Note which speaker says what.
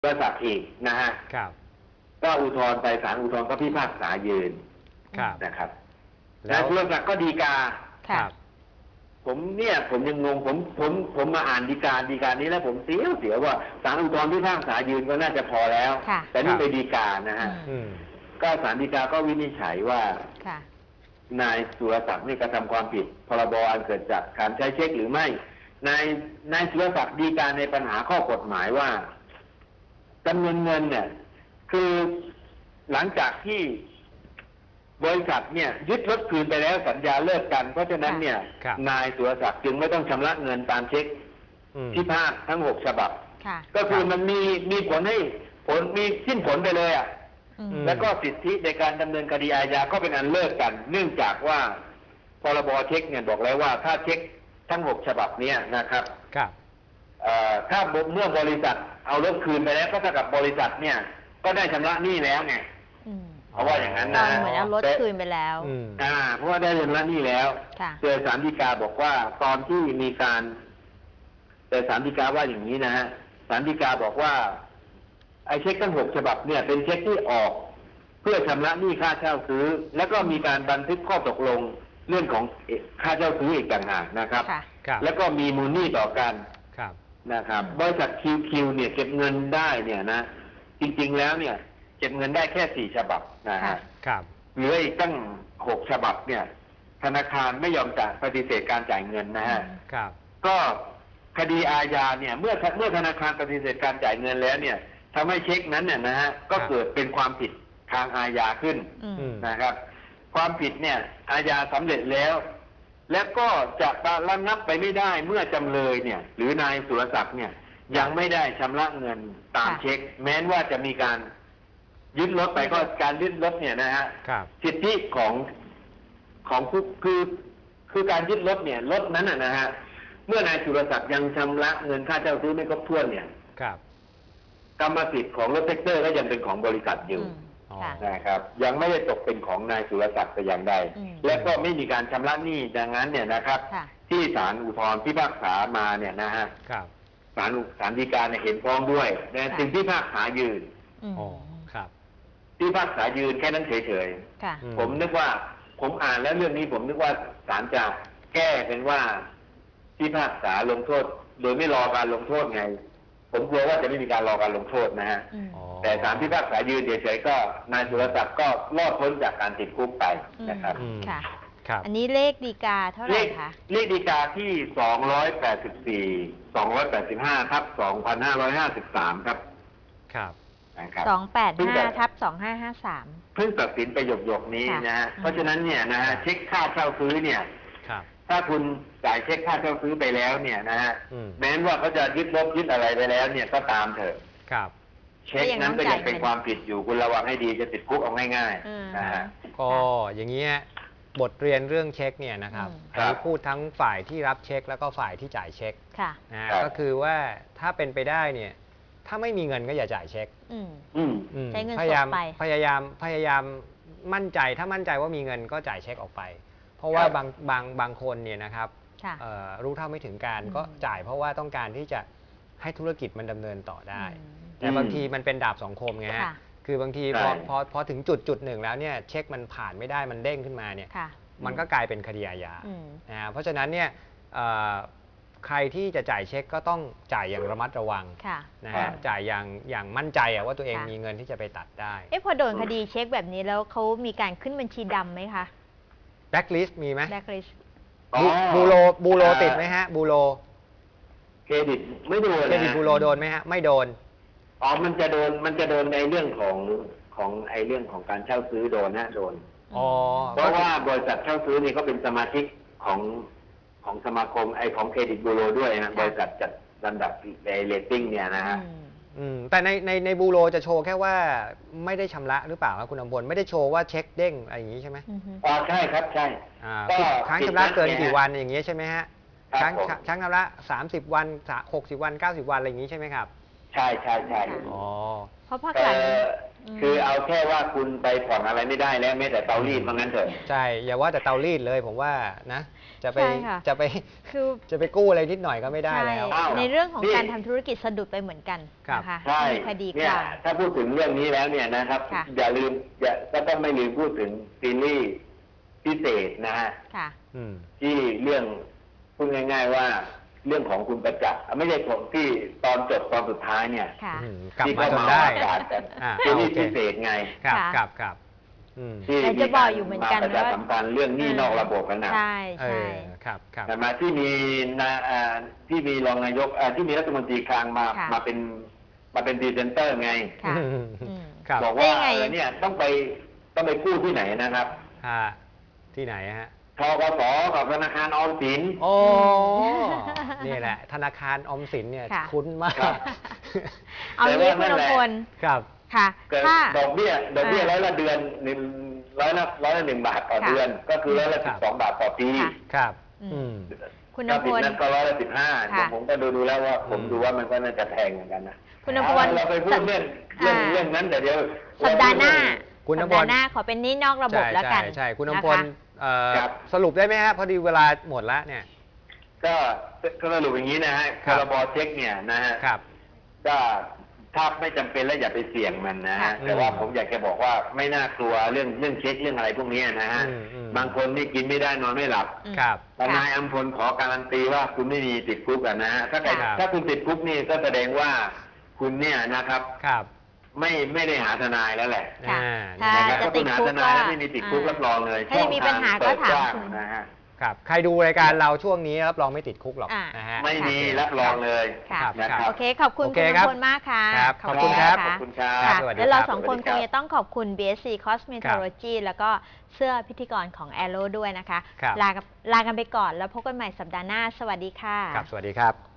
Speaker 1: บริษัทอีกนะฮะ
Speaker 2: ครับ
Speaker 1: ก็อุทธรณ์ไปศาลอุทธรณ์ก็พิพากษายืนนะครับแล้วบริษัทก็ฎีกา
Speaker 2: ครับ
Speaker 1: ผมยังงงผมมาอ่านฎีกานี้แล้วผมเสียวว่าศาลอุทธรณ์พิพากษายืนก็น่าจะพอแล้วแต่นี่ไปฎีกานะฮะก็ศาลฎีกาก็วินิจฉัยว่านายสุรศักดิ์นี่กระทำความผิดพรบอันเกิดจากการใช้เช็คหรือไม่นายสุรศักดิ์ฎีกาในปัญหาข้อกฎหมายว่าจำนวนเงินเนี่ยคือหลังจากที่บริษัทเนี่ยยึดรถคืนไปแล้วสัญญาเลิกกันเพราะฉะนั้นเนี่ยนายสุรศักดิ์จึงไม่ต้องชำระเงินตามเช็คที่พาดทั้ง6 ฉบับก็คือมันมีผลให้มีสิ้นผลไปเลยอ่ะแล้วก็สิทธิในการดำเนินคดีอาญาก็เป็นอันเลิกกันเนื่องจากว่าพรบเช็คเนี่ยบอกแล้วว่าถ้าเช็คทั้ง6 ฉบับนี้นะครับถ้าเมื่อบริษัทเอารถคืนไปแล้วก็เท่ากับบริษัทเนี่ยก็ได้ชำระหนี้แล้วไงเพราะว่าอย่างนั้นนะ
Speaker 3: เหมือนเอารถคืนไปแล้ว
Speaker 1: เพราะว่าได้ชำระหนี้แล้วแต่ศาลฎีกาบอกว่าตอนที่มีการแต่ศาลฎีกาว่าอย่างนี้นะฮะศาลฎีกาบอกว่าไอ้เช็คทั้ง6 ฉบับเนี่ยเป็นเช็คที่ออกเพื่อชำระหนี้ค่าเช่าซื้อแล้วก็มีการบันทึกข้อตกลงเรื่องของค่าเช่าซื้ออีกต่างหากนะครับแล้วก็มีมูลหนี้ต่อกันนะครับบริษัทคิวเนี่ยเก็บเงินได้เนี่ยนะจริงๆแล้วเนี่ยเก็บเงินได้แค่4 ฉบับนะฮะเหลืออีกตั้ง6 ฉบับเนี่ยธนาคารไม่ยอมจ่ายปฏิเสธการจ่ายเงินนะฮะก็คดีอาญาเนี่ยเมื่อธนาคารปฏิเสธการจ่ายเงินแล้วเนี่ยทำให้เช็คนั้นเนี่ยนะฮะก็เกิดเป็นความผิดทางอาญาขึ้นนะครับความผิดเนี่ยอาญาสำเร็จแล้วและก็จะระงับไปไม่ได้เมื่อจำเลยเนี่ยหรือนายสุรศักดิ์เนี่ยยังไม่ได้ชำระเงินตามเช็คแม้ว่าจะมีการยึดรถไปก็การยึดรถเนี่ยนะฮะสิทธิของผู้คือการยึดรถเนี่ยรถนั้นนะฮะเมื่อนายสุรศักดิ์ยังชำระเงินค่าเช่าซื้อไม่ครบถ้วนเนี่ยกรรมสิทธิ์ของรถแท็กเตอร์ก็ยังเป็นของบริษัทอยู่นะครับยังไม่ได้ตกเป็นของนายสุรศักดิ์แต่อย่างใดและก็ไม่มีการชำระหนี้ดังนั้นเนี่ยนะครับที่ศาลอุทธรณ์พิพากษามาเนี่ยนะฮะศาลฎีกาเห็นพ้องด้วยแต่สิ่งที่พิพากษายืนพิพากษายืนแค่นั้นเฉยๆผมนึกว่าผมอ่านแล้วเรื่องนี้ผมนึกว่าศาลจะแก้เป็นว่าพิพากษาลงโทษโดยไม่รอการลงโทษไงผมกลัวว่าจะไม่มีการรอการลงโทษนะฮะแต่ศาลพิพากษายืนเฉยๆก็นายสุรศักดิ์ก็รอดพ้นจากการติดคุกไปนะครับ
Speaker 3: อันนี้เลขฎีกาเท่าไหร่คะ
Speaker 1: เลขฎีกาที่284/285/2553ครับ
Speaker 3: 285/2553
Speaker 1: เพิ่งตัดสินไปหยกๆนี้นะฮะเพราะฉะนั้นเนี่ยนะฮะเช็คค่าเช่าซื้อเนี่ยถ้าคุณจ่ายเช็คค่าเช่าซื้อไปแล้วเนี่ยนะฮะแม้ว่าเขาจะยึดรถยึดอะไรไปแล้วเนี่ยก็ตามเถอะเช็คนั้นก็ยังเป็นความผิดอยู่คุณระวังให้ดีจะติดคุกเอาง่ายๆนะฮะ
Speaker 2: ก็อย่างนี้บทเรียนเรื่องเช็คเนี่ยนะครับอันนี้พูดทั้งฝ่ายที่รับเช็คแล้วก็ฝ่ายที่จ่ายเช็คนะก็คือว่าถ้าเป็นไปได้เนี่ยถ้าไม่มีเงินก็อย่าจ่ายเช็ค
Speaker 3: ใช้เงินสด
Speaker 2: ไปพยายามมั่นใจถ้ามั่นใจว่ามีเงินก็จ่ายเช็คออกไปเพราะว่าบางคนเนี่ยนะครับรู้เท่าไม่ถึงการก็จ่ายเพราะว่าต้องการที่จะให้ธุรกิจมันดำเนินต่อได้แต่บางทีมันเป็นดาบสองคมไงฮะคือบางทีพอถึงจุดหนึ่งแล้วเนี่ยเช็คมันผ่านไม่ได้มันเด้งขึ้นมาเนี่ยมันก็กลายเป็นคดีอาญาเพราะฉะนั้นเนี่ยใครที่จะจ่ายเช็คก็ต้องจ่ายอย่างระมัดระวังนะฮะจ่ายอย่างมั่นใจว่าตัวเองมีเงินที่จะไปตัดได้
Speaker 3: พอโดนคดีเช็คแบบนี้แล้วเขามีการขึ้นบัญชีดำไหมคะ
Speaker 2: แบล็คลิสต์มีไหม
Speaker 3: แบล็คลิสต์
Speaker 2: บูโรติดไหมฮะบูโร
Speaker 1: เครดิตไม่โดน
Speaker 2: เครดิตบูโรโดนไหมฮะไม่โดน
Speaker 1: มันจะโดนในเรื่องของไอ้เรื่องของการเช่าซื้อโดนนะโดนเพราะว่าบริษัทเช่าซื้อนี่เขาเป็นสมาชิกของสมาคมของเครดิตบูโรด้วยนะบริษัทจัดลำดับในเรตติ้งเนี่ยนะฮะ
Speaker 2: แต่ในบูโรจะโชว์แค่ว่าไม่ได้ชำระหรือเปล่าครับคุณอำพลไม่ได้โชว์ว่าเช็คเด้งอะไรอย่างนี้ใช่ไหม
Speaker 1: ใช่ครับใช่
Speaker 2: ค้างชำระเกินกี่วันอย่างเงี้ยใช่ไหมฮะค้างชำระ30 วัน60 วัน90 วันอะไรอย่างนี้ใช่ไหมครับ
Speaker 1: ใช่
Speaker 3: เพราะภาคหลัง
Speaker 1: คือเอาแค่ว่าคุณไปผ่อนอะไรไม่ได้แล้วแม้แต่เตารีดเพราะงั้นเถอะ
Speaker 2: ใช่อย่าว่าแต่เตารีดเลยผมว่านะจะไป
Speaker 3: ใช่ค่ะ
Speaker 2: จะไป
Speaker 3: คือ
Speaker 2: จะไปกู้อะไรนิดหน่อยก็ไม่ได้
Speaker 3: ใช่
Speaker 2: แล้ว
Speaker 1: อ้าว
Speaker 3: ในเรื่องของ
Speaker 1: นี่
Speaker 3: การทำธุรกิจสะดุดไปเหมือนกัน
Speaker 2: ครับ
Speaker 3: นะคะ
Speaker 1: ใช่
Speaker 3: มีคดีค
Speaker 1: เนี่ยว
Speaker 3: าม
Speaker 1: ถ้าพูดถึงเรื่องนี้แล้วเนี่ยนะครับ
Speaker 3: ค่ะ
Speaker 1: อย่าลืมก็ต้องไม่ลืมพูดถึงซีรีส์พิเศษนะฮะ
Speaker 3: ค่ะ
Speaker 2: อืม
Speaker 1: ที่เรื่องพูดง่าย ๆว่าเรื่องของคุณประจักษ์ไม่ใช่ของที่ตอนจบตอนสุดท้ายเนี่ย
Speaker 3: ค่ะ
Speaker 2: อืมกลับ
Speaker 1: ที่
Speaker 2: มา
Speaker 1: เขา
Speaker 2: จน
Speaker 1: มา
Speaker 2: ได้
Speaker 1: อากาศกัน
Speaker 2: อ่า
Speaker 1: ซีรีส์
Speaker 2: โอเค
Speaker 1: พิเศษไง
Speaker 2: ครับ
Speaker 3: ค่ะ
Speaker 2: ครับครับอืม
Speaker 1: ที่
Speaker 3: แต่
Speaker 1: มี
Speaker 3: จะบ
Speaker 1: กา
Speaker 3: อก
Speaker 1: ร
Speaker 3: อยู่เหมือน
Speaker 1: มา
Speaker 3: กัน
Speaker 1: ประชา
Speaker 3: ว่า
Speaker 1: สัมพันธ์เรื่องหนี้นอกระบบกันนะ
Speaker 3: ใช่
Speaker 2: เอ
Speaker 3: ใช่
Speaker 2: อครับครับ
Speaker 1: แต่มาที่มีที่มีรองนายกที่มีรัฐมนตรีคลังมา
Speaker 3: ค่ะ
Speaker 1: มาเป็นพรีเซนเตอร์ไง
Speaker 3: ค่ะ
Speaker 2: อืม
Speaker 3: อืม
Speaker 2: ครับ
Speaker 1: บอก
Speaker 3: ได้
Speaker 1: ว่า
Speaker 3: ไง
Speaker 1: เนี่ยต้องไปกู้ที่ไหนนะครับ
Speaker 2: ที่ไหนฮะ
Speaker 1: ทกสกับธนาคารออมสิน
Speaker 2: โอ้นี่แหละ ธนาคารออมสินเนี่ย
Speaker 3: ค่ะ
Speaker 2: คุ้นมาก
Speaker 1: ครับ
Speaker 3: เอางี้คุณอภพล
Speaker 2: ครับ
Speaker 3: ค่ะ
Speaker 1: เกิด
Speaker 3: ถ้า
Speaker 1: ดอกเบี้ยร้อยละเดือนร้อยละ1 บาทต่อ
Speaker 3: ค่ะ
Speaker 1: เดือน ก็คือร้อยละ
Speaker 2: ครับ
Speaker 1: 12 บาทต่อปี
Speaker 3: ค่ะ
Speaker 2: ครับ
Speaker 3: อืม
Speaker 2: อืม
Speaker 3: คุณ
Speaker 1: ถ้า
Speaker 3: อภ
Speaker 1: ผิด
Speaker 3: พล
Speaker 1: นั้นก็ร้อยละ15
Speaker 3: ค่ะ
Speaker 1: ผมก็ดูแล้วว่าผม
Speaker 2: อืม
Speaker 1: ดูว่ามันก็น่าจะแพงเหมือนกันนะ
Speaker 3: คุณอภพล
Speaker 1: เราไปพูดเรื่องนั้นแต่เดี๋ยว
Speaker 3: สัปดาห์หน้า
Speaker 2: คุณ
Speaker 3: สั
Speaker 2: อ
Speaker 3: ป
Speaker 2: ภพล
Speaker 3: ดาห์หน้าขอเป็นหนี้นอกระบบแล้วกัน
Speaker 2: ใช่คุณอ
Speaker 3: นะ
Speaker 2: ภพล
Speaker 3: คะ
Speaker 1: ครับ
Speaker 2: สรุปได้ไหมฮะพอดีเวลาหมดแล้วเนี่ย
Speaker 1: ก็สรุปอย่างนี้นะฮะ
Speaker 2: ค
Speaker 1: พ
Speaker 2: รับ
Speaker 1: รบเช็คเนี่ยนะฮะ
Speaker 2: ครับ
Speaker 1: ก็ถ้าไม่จำเป็นแล้วอย่าไปเสี่ยงมันนะฮะ
Speaker 3: ค่ะ
Speaker 1: แต่ว่าผมอยากจะบอกว่าไม่น่ากลัวเรื่องเช็คเรื่องอะไรพวกนี้นะฮะ
Speaker 2: อืม
Speaker 1: บางคนนี่กินไม่ได้นอนไม่หลับ
Speaker 3: อืม
Speaker 2: ครับ
Speaker 1: ทนายอัมพลขอการันตีว่าคุณไม่มีติดคุกอะนะฮะ
Speaker 2: ครับ
Speaker 1: ถ้าคุณติดคุกนี่ก็แสดงว่าคุณเนี่ยนะครับ
Speaker 2: ครับ
Speaker 1: ไม่ได้หาทนายแล้วแหละ
Speaker 3: ค่ะ
Speaker 2: อ่า
Speaker 3: ถ้า
Speaker 1: นะครับ
Speaker 3: จะ
Speaker 1: ถ้า
Speaker 3: ติ
Speaker 1: คุ
Speaker 3: ด
Speaker 1: ณหา
Speaker 3: คุก
Speaker 1: ทนายแล้วไม่มีติดคุกรับรองเลย
Speaker 3: ถ้าจะมีปัญหาก็ถาม
Speaker 1: ช่องทง
Speaker 3: คุณ
Speaker 1: เปิดกว้งนะฮะ
Speaker 2: ครับ ใครดูรายการเราช่วงนี้รับรองไม่ติดคุกหรอก
Speaker 3: อ่า
Speaker 2: นะฮะ
Speaker 1: ไม่มีรับรองเลย
Speaker 3: ค่ะ
Speaker 1: นะครับ
Speaker 3: โอเค ขอบคุณ
Speaker 2: โอ
Speaker 3: คุ
Speaker 2: เค
Speaker 3: ณอ
Speaker 2: ครั
Speaker 3: ภ
Speaker 2: บ
Speaker 3: พลมากค่ะ
Speaker 2: ครับขอบคุณครับ
Speaker 1: ข
Speaker 3: นะะ
Speaker 1: อบคุณครับ
Speaker 3: ค่ะ
Speaker 2: สวัสดี
Speaker 3: แล้วเรา
Speaker 2: ครับ
Speaker 3: สองคน
Speaker 1: สวัสดี
Speaker 3: ค
Speaker 1: ครั
Speaker 3: ง
Speaker 1: บ
Speaker 3: จะต้องขอบคุณ BSC Cosmetology แล้วก็เสื้อพิธีกรของ Aero ด้วยนะคะ
Speaker 2: ครับ
Speaker 3: ลากันไปก่อนแล้วพบกันใหม่สัปดาห์หน้า สวัสดีค่ะ
Speaker 2: ครับ สวัสดีครับ